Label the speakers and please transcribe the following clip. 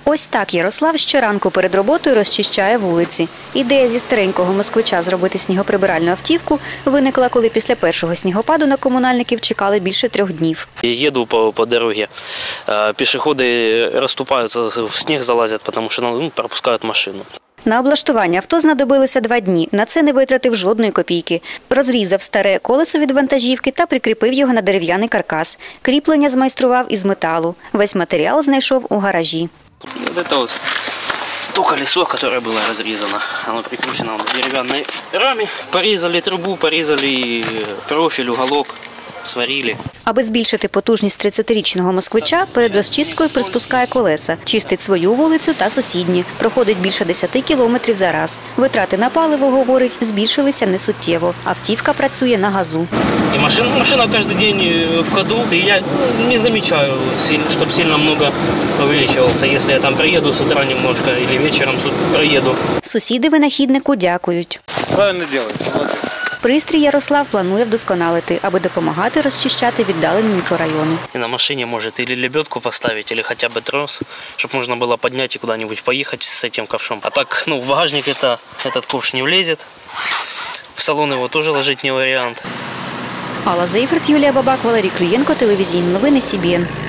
Speaker 1: Ось так Ярослав щоранку перед роботою розчищає вулиці. Ідея зі старенького москвича зробити снігоприбиральну автівку виникла, коли після першого снігопаду на комунальників чекали більше 3 днів.
Speaker 2: Еду по дороге, пешеходы расступаются, в снег залазят, потому что пропускают машину.
Speaker 1: На облаштування авто знадобилося 2 дні. На це не витратив жодної копійки. Розрізав старе колесо від вантажівки та прикріпив його на дерев'яний каркас. Кріплення змайстрував із металу. Весь матеріал знайшов у гаражі.
Speaker 2: Это вот то колесо, которое было разрезано. Оно прикручено в деревянной раме. Порезали трубу, порезали профиль, уголок, сварили.
Speaker 1: Аби збільшити потужність 30-річного москвича, перед розчисткою приспускає колеса, чистить свою вулицю та сусідні. Проходить більше 10 кілометрів за раз. Витрати на паливо, говорить, збільшилися несуттєво. Автівка працює на газу.
Speaker 2: И машина каждый день в ходу. И я не замечаю, чтобы сильно много увеличивался. Если я там приеду с утра немножко или вечером проеду.
Speaker 1: Сусіди винахіднику дякують.
Speaker 3: Правильно делаете, молодец.
Speaker 1: Пристрій Ярослав планує вдосконалити, аби допомагати розчищати віддалені мікрорайони.
Speaker 2: И на машине может или лебедку поставить, или хотя бы трос, чтобы можно было поднять и куда-нибудь поехать с этим ковшом. А так, в багажник этот ковш не влезет. В салон его тоже ложить не вариант.
Speaker 1: Алла Зейферт, Юлія Бабак, Валерій Клюєнко, телевізійні новини СІБІН.